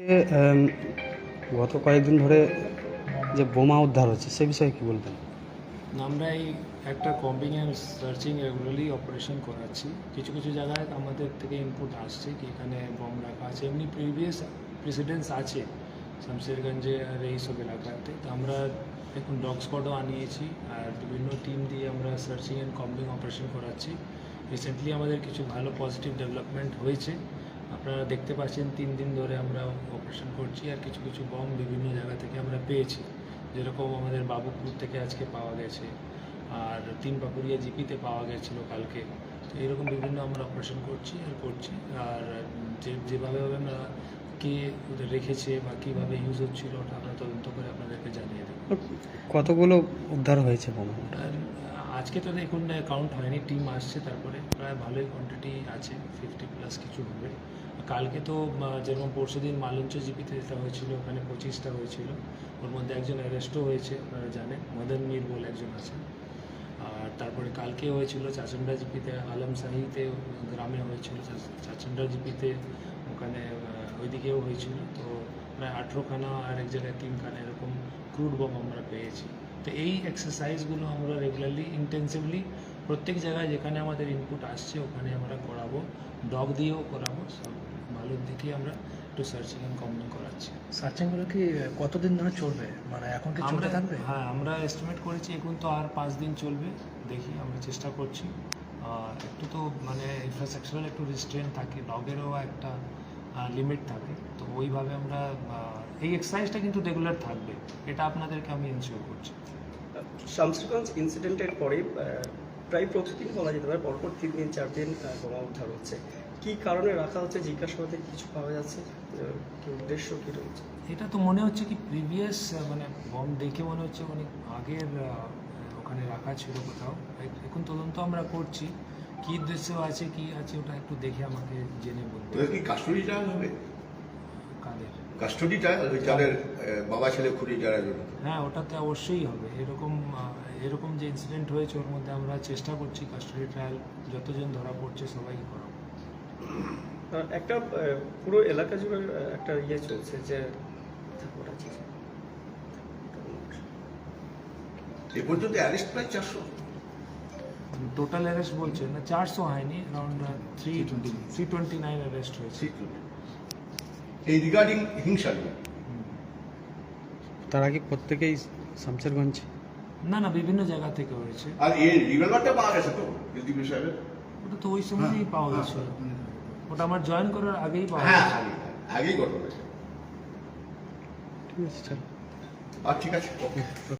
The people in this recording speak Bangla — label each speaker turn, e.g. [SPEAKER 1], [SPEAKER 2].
[SPEAKER 1] গত কয়েকদিন ধরে যে বোমা উদ্ধার হচ্ছে সে বিষয়ে কি বলবেন?
[SPEAKER 2] আমরা এই একটা combing and searching regularly operation করাচ্ছি। কিছু কিছু জায়গায় আমাদের থেকে ইনপুট আসছে কি এখানে বম রাখা আছে, এমনি প্রিভিয়াস প্রেসিডেন্স আছে শামশেরগঞ্জে আর এইসব এলাকাতে। তো আমরা এখন ডগ স্কোয়াডও আনিয়েছি আর বিভিন্ন টিম দিয়ে আমরা সার্চিং অ্যান্ড কম্বিং অপারেশন করাচ্ছি। রিসেন্টলি আমাদের কিছু ভালো পজিটিভ ডেভেলপমেন্ট হয়েছে, আপনারা দেখতে পাচ্ছেন 3 দিন ধরে আমরা অপারেশন করছি। আর কিছু কিছু বম বিভিন্ন জায়গা থেকে আমরা পেয়েছি, যেরকম আমাদের বাবুপুর থেকে আজকে পাওয়া গেছে, আর 3 পাকুড়িয়া জিপিতে পাওয়া গেছিলো কালকে। তো এরকম বিভিন্ন আমরা অপারেশন করছি। আর যেভাবে আমরা কে ওদের রেখেছে বা কীভাবে ইউজ হচ্ছিল ওটা আমরা তদন্ত করে আপনাদেরকে জানিয়ে দেবো।
[SPEAKER 1] কতগুলো উদ্ধার হয়েছে বোমা?
[SPEAKER 2] আর আজকে তো দেখুন কাউন্ট হয়নি, টিম আসছে, তারপরে প্রায় ভালোই কোয়ান্টিটি আছে, 50+ কিছু হবে। কালকে তো যেরকম পরশু দিন মালঞ্চ জিপিতে যেটা হয়েছিল ওখানে 25টা হয়েছিল, ওর মধ্যে একজন অ্যারেস্টও হয়েছে, আপনারা জানেন মদন মীর বলে একজন আছে। আর তারপরে কালকে হয়েছিল চাচন্ডা জিপিতে, আলমশাহিতে গ্রামে হয়েছিল, চাচন্ডা জিপিতে ওখানে ওইদিকেও হয়েছিল। তো প্রায় 18খানা আর এক জায়গায় 3খানা এরকম ক্রুড বম আমরা পেয়েছি। তো এই এক্সারসাইজগুলো আমরা রেগুলারলি ইন্টেন্সিভলি প্রত্যেক জায়গায় যেখানে আমাদের ইনপুট আসছে ওখানে আমরা করাবো, ডগ দিয়েও করাবো। সব ভালোর দিকে আমরা একটু সার্চিং অ্যান্ড কম্বিং করাচ্ছি।
[SPEAKER 3] সার্চিংগুলো কি কতদিন ধরে চলবে, মানে এখন কি চলতে থাকবে?
[SPEAKER 2] হ্যাঁ, আমরা এস্টিমেট করেছি এখন তো আর 5 দিন চলবে, দেখি আমরা চেষ্টা করছি। একটু তো মানে ইনফ্রাস্ট্রাকচারাল একটু রেস্ট্রেন্ট থাকে, ডগেরও একটা লিমিট থাকে। তো ওইভাবে আমরা এই এক্সারসাইজটা কিন্তু রেগুলার থাকবে, এটা আপনাদেরকে আমি এনশিওর করছি।
[SPEAKER 4] শামশেরগঞ্জ ইনসিডেন্টের পরে প্রায় প্রতিদিন বলা যেতে পারে পরপর 3 দিন 4 দিন বোমা উদ্ধার হচ্ছে। কি কারণে রাখা হচ্ছে, জিজ্ঞাসাবাদে কিছু পাওয়া যাচ্ছে, কি উদ্দেশ্য কি রয়েছে?
[SPEAKER 2] এটা তো মনে হচ্ছে কি প্রিভিয়াস মানে বম দেখে মনে হচ্ছে অনেক আগের ওখানে রাখা ছিল কোথাও। এখন তদন্ত আমরা করছি, কী উদ্দেশ্য আছে কি আছে ওটা একটু দেখে আমাকে জেনে বলবো।
[SPEAKER 5] ওদের কি কাস্টডি ট্রায়াল হবে?
[SPEAKER 2] কাদের
[SPEAKER 5] কাস্টডি ট্রায়াল ওই যাদের বাবা ছেলে খুঁড়ি যারা জড়িত?
[SPEAKER 2] হ্যাঁ, ওটাতে অবশ্যই হবে। এরকম যে ইনসিডেন্ট হয়েছে ওর মধ্যে আমরা চেষ্টা করছি কাস্টডি ট্রায়াল যতজন ধরা পড়ছে সবাইকে করাবো।
[SPEAKER 4] একটা পুরো এলাকা জুড়ে একটা ইয়ে চলছে যে
[SPEAKER 5] এ পর্যন্ত অ্যারেস্ট প্রায় 400।
[SPEAKER 2] টোটাল অ্যারেস্ট বলছে না, 400 হয়নি, অ্যারাউন্ড 329 অ্যারেস্ট হয়েছে।
[SPEAKER 5] এই রিগার্ডিং হিংসা নিয়ে
[SPEAKER 1] তারা কি প্রত্যেকেই শামশেরগঞ্জ?
[SPEAKER 2] না, বিভিন্ন জায়গা থেকে হয়েছে।
[SPEAKER 5] আর এই রিভলভারটা পাওয়া গেছে তো এসডিপি সাহেবের?
[SPEAKER 2] ওটা তো ওই সময়ই পাওয়া গেছে, ওটা আমার জয়েন করার আগেই পাওয়া
[SPEAKER 5] হ্যাঁ,
[SPEAKER 2] গেছে।
[SPEAKER 5] আগেই ঘটনা।
[SPEAKER 1] ঠিক আছে, চল।
[SPEAKER 5] আর ঠিক আছে, ওকে।